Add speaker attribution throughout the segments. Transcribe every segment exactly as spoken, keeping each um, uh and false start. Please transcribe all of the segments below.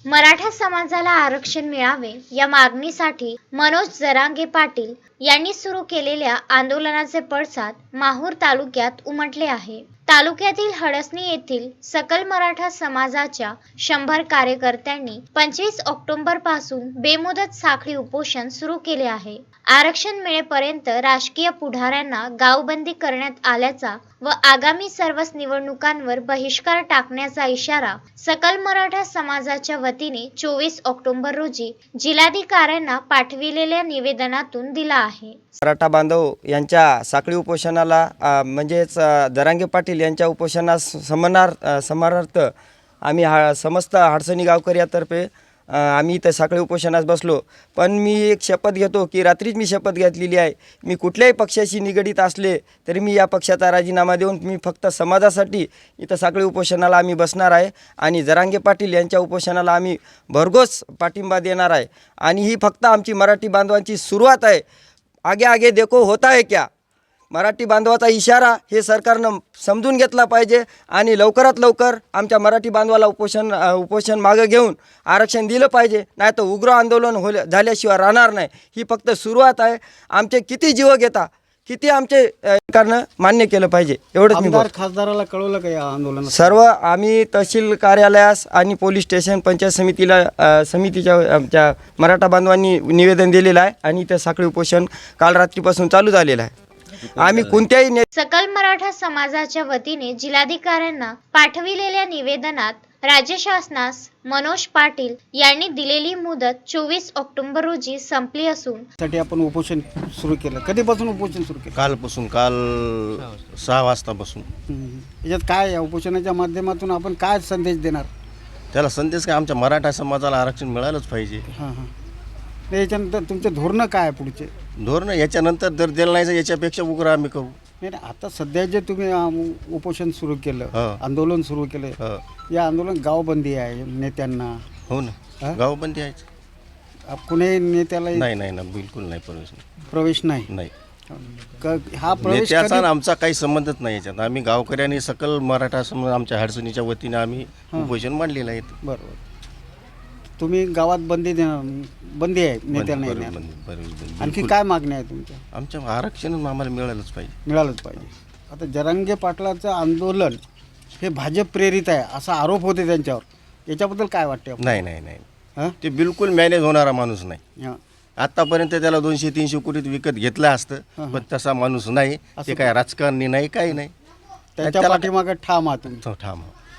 Speaker 1: मराठा समाजाला आरक्षण मिळावे या मागणीसाठी मनोज जरांगे पाटील यांनी सुरू केलेल्या आंदोलनाचे पडसाद माहूर तालुक्यात उमटले आहे। तालुक्यातील हडसणी येथील सकल मराठा समाजाच्या शंभर कार्यकर्त्यांनी पंचवीस ऑक्टोबर पासून बेमुदत साखळी उपोषण सुरू केले आहे। आरक्षण मिळेपर्यंत राजकीय पुढाऱ्यांना गावबंदी करण्यात आल्याचा व आगामी सर्वच निवडणुकांवर बहिष्कार टाकण्याचा इशारा सकल मराठा समाजाच्या वतीने चोवीस ऑक्टोबर रोजी जिल्हाधिकाऱ्यांना पाठविलेल्या निवेदनातून दिला आहे।
Speaker 2: मराठा बांधव यांच्या साखळी उपोषणाला म्हणजेच जरांगे पाटील यांच्या उपोषणास समनार्थ समानार्थ आम्ही हा समस्त हडसणी गावकऱ्यातर्फे आम्ही इथं साखळी उपोषणास बसलो। पण मी एक शपथ घेतो की रात्रीच मी शपथ घेतलेली आहे, मी कुठल्याही पक्षाशी निगडीत असले तरी मी या पक्षाचा राजीनामा देऊन मी फक्त समाजासाठी इथं साखळी उपोषणाला आम्ही बसणार आहे आणि जरांगे पाटील यांच्या उपोषणाला आम्ही भरघोस पाठिंबा देणार आहे। आणि ही फक्त आमची मराठी बांधवांची सुरुवात आहे। आगे आगे देखो होता है क्या, मराठी बांधवाचा इशारा हे सरकारनं समजून घेतला पाहिजे आणि लवकरात लवकर आमच्या मराठी बांधवाला उपोषण उपोषण मागे घेऊन आरक्षण दिलं पाहिजे, नाही तर उग्र आंदोलन हो झाल्याशिवाय राहणार नाही। ही फक्त सुरुवात आहे। आमचे किती जीव घेता किती आमचे सरकारनं मान्य केलं पाहिजे एवढंच मी बोलतो।
Speaker 3: खासदाराला कळवलं का या आंदोलनात?
Speaker 2: सर्व आम्ही तहसील कार्यालयास आणि पोलीस स्टेशन पंचायत समितीला समितीच्या आमच्या मराठा बांधवांनी निवेदन दिलेलं आहे आणि इथं साखळी उपोषण काल रात्रीपासून चालू झालेलं आहे। आम्ही कोणत्याही
Speaker 1: सकल मराठा समाजाच्या वतीने जिल्हाधिकाऱ्यांना पाठविलेल्या निवेदनात राज्य शासनास मनोज पाटील यांनी दिलेली मुदत चोवीस ऑक्टोबर रोजी संपली असून
Speaker 3: साठी आपण उपोषण सुरू केलं। कधीपासून उपोषण सुरू केलं?
Speaker 4: कालपासून, काल सहा वाजतापासून।
Speaker 3: याच्यात काय या उपोषणाच्या माध्यमातून आपण काय संदेश देणार?
Speaker 4: त्याला संदेश काय, आमच्या मराठा समाजाला आरक्षण मिळालंच पाहिजे।
Speaker 3: हां हां याच्यानंतर तुमचे धोरणं काय पुढचे?
Speaker 4: धोरण याच्यानंतर जर दिलं नाही याच्यापेक्षा उग्र आम्ही करू।
Speaker 3: नाही आता सध्या जे तुम्ही उपोषण सुरू केलं, आंदोलन सुरू केलं, या आंदोलन गावबंदी आहे नेत्यांना?
Speaker 4: हो ना, गावबंदी आहे।
Speaker 3: कुणी नेत्याला
Speaker 4: नाही नाही ना, बिलकुल नाही प्रवेश
Speaker 3: प्रवेश नाही
Speaker 4: नाही।
Speaker 3: हा प्रवेश
Speaker 4: नेत्याचा आमचा काही संबंधच नाही याच्यात। आम्ही गावकऱ्यांनी सकल मराठा समाज आमच्या हडसणीच्या वतीने आम्ही उपोषण मांडलेलं आहे।
Speaker 3: बरोबर, तुम्ही गावात बंदी देणार, बंदी आहे नेत्यांना येण्यावर? आणखी काय मागणी आहे तुमच्या?
Speaker 4: आमच्या आरक्षण आम्हाला मिळालंच पाहिजे,
Speaker 3: मिळालंच पाहिजे। आता जरांगे पाटलाचं आंदोलन हे भाजप प्रेरित आहे असा आरोप होते त्यांच्यावर, याच्याबद्दल काय वाटते?
Speaker 4: नाही नाही नाही, ते बिलकुल मॅनेज होणारा माणूस नाही। आतापर्यंत त्याला दोनशे तीनशे कोटीत विकत घेतलं असतं, पण तसा माणूस नाही। ते काय राजकारणी नाही, काही नाही।
Speaker 3: त्याच्या पाठीमागे ठाम आहात तुम्ही?
Speaker 4: ठाम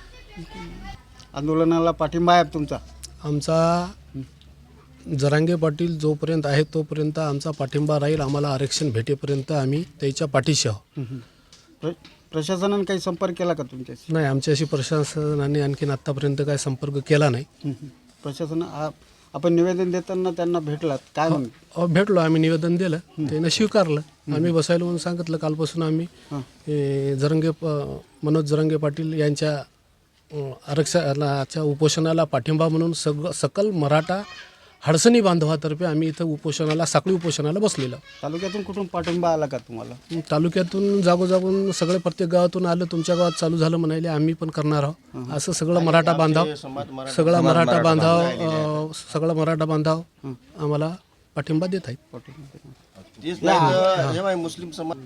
Speaker 3: आंदोलनाला पाठिंबा आहे तुमचा?
Speaker 5: आमचा जरांगे पाटील जोपर्यंत आहे तोपर्यंत आमचा पाठिंबा राहील। आम्हाला आरक्षण भेटेपर्यंत आम्ही त्याच्या पाठीशी आहोत।
Speaker 3: प्रशासनाने काही संपर्क केला का तुमच्याशी?
Speaker 5: नाही, आमच्याशी प्रशासनाने आणखीन आत्तापर्यंत काही संपर्क केला नाही। प्रशासन
Speaker 3: आपण निवेदन देताना त्यांना भेटलात काय?
Speaker 5: हो, भेटलो, आम्ही निवेदन दिलं, त्यानं स्वीकारलं। आम्ही बसायला म्हणून सांगितलं। कालपासून आम्ही जरांगे मनोज जरांगे पाटील यांच्या आरक्षणाच्या उपोषणाला पाठिंबा म्हणून सग सकल मराठा हडसणी बांधवातर्फे आम्ही इथं उपोषणाला साखळी उपोषणाला बसलेलो।
Speaker 3: तालुक्यातून कुठून पाठिंबा आला का तुम्हाला?
Speaker 5: तालुक्यातून जागोजागून सगळे प्रत्येक गावातून आलं। तुमच्या गावात चालू झालं म्हणाले, आम्ही पण करणार आहोत असं सगळं मराठा बांधव सगळा मराठा बांधव सगळा मराठा बांधव आम्हाला पाठिंबा देत आहेत।
Speaker 4: मुस्लिम समाज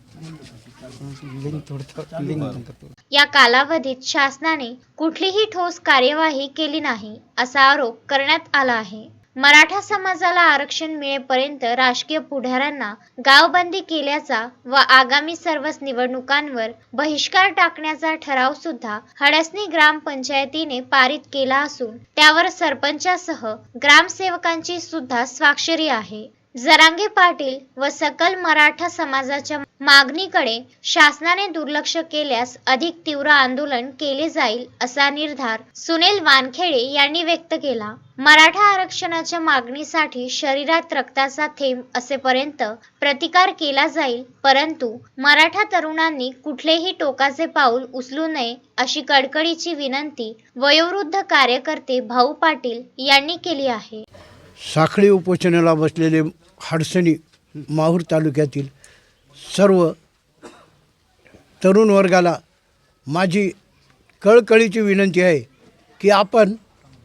Speaker 1: या कालावधीत शासनाने कुठलीही ठोस कार्यवाही केली नाही असा आरोप करण्यात आला आहे। मराठा समाजाला आरक्षण मिळेपर्यंत राजकीय पुढाऱ्यांना गावबंदी केल्याचा व आगामी सर्वच निवडणुकांवर बहिष्कार टाकण्याचा ठराव सुद्धा हडसणी ग्रामपंचायतीने पारित केला असून त्यावर सरपंचासह ग्रामसेवकांची सुद्धा स्वाक्षरी आहे। जरांगे पाटील व सकल मराठा समाजाच्या मागणीकडे शासनाने दुर्लक्ष केल्यास अधिक तीव्र आंदोलन केले जाईल असा निर्धार सुनील वानखेडे यांनी व्यक्त केला। मराठा आरक्षणाच्या मागणीसाठी शरीरात रक्ताचा थेंब असेपर्यंत प्रतिकार केला जाईल, परंतु मराठा तरुणांनी कुठलेही टोकाचे पाऊल उचलू नये अशी कडकडीची विनंती वयोवृद्ध कार्यकर्ते भाऊ पाटील यांनी केली आहे।
Speaker 6: साखळी उपोषणाला बसलेले हडसणी माहूर तालुक्यातील सर्व तरुण वर्गाला माझी कळकळीची विनंती आहे की आपण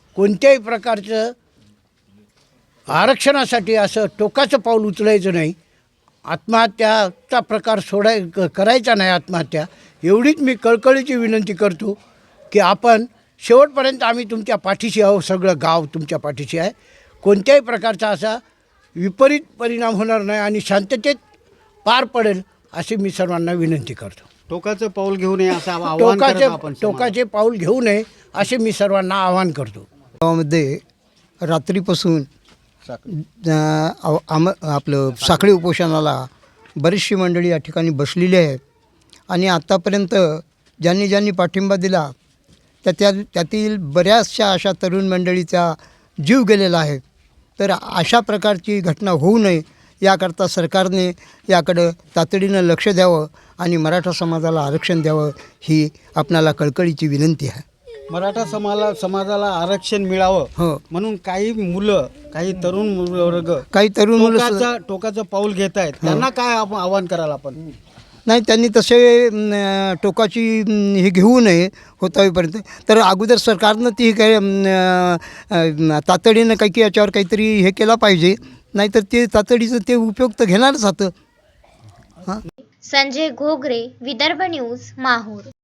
Speaker 6: कोणत्याही प्रकारचं आरक्षणासाठी असं टोकाचं पाऊल उचलायचं नाही. आत्महत्याचा प्रकार सोडाय क- करायचा नाही आत्महत्या. एवढीच मी कळकळीची विनंती करतो की आपण शेवटपर्यंत आम्ही तुमच्या पाठीशी आहो. सगळं गाव तुमच्या पाठीशी आहे. कोणत्याही प्रकारचा असा विपरीत परिणाम होणार नाही आणि शांततेत पार पडेल अशी मी सर्वांना विनंती करतो.
Speaker 3: टोकाचं पाऊल घेऊ नये असं आवाहन करत
Speaker 6: टोकाचे
Speaker 3: आपण समाजाला.
Speaker 6: टोकाचे पाऊल घेऊ नये असे मी सर्वांना आवाहन करतो.
Speaker 7: गावामध्ये रात्रीपासून अ, आव- आम आपलं साखळी उपोषणाला बरीचशी मंडळी या ठिकाणी बसलेली आहे आणि आत्तापर्यंत ज्यांनी ज्यांनी पाठिंबा दिला त्या त्या त्यातील बऱ्याचशा अशा तरुण मंडळीचा जीव गेलेला आहे. तर अशा प्रकारची घटना होऊ नये याकरता सरकारने याकडं तातडीनं लक्ष द्यावं आणि मराठा समाजाला आरक्षण द्यावं ही आपणाला कळकळीची विनंती आहे.
Speaker 3: मराठा समाला समाजाला आरक्षण मिळावं
Speaker 7: हो.
Speaker 3: म्हणून काही मुलं काही तरुण मुलं वर्ग
Speaker 7: काही तरुण मुलं स-
Speaker 3: टोकाचं टोकाचं पाऊल घेत आहेत. त्यांना काय आपण आवाहन कराल आपण?
Speaker 7: नाही, त्यांनी तसे अं, टोकाची अं, हे घेऊ नये होतावीपर्यंत. तर अगोदर सरकारनं ती काय अं, अं, तातडीनं काही की याच्यावर काहीतरी हे केला पाहिजे. नाहीतर ते तातडीचं ते उपयुक्त घेणारच होतं.
Speaker 1: संजय घोगरे, विदर्भ न्यूज, माहूर.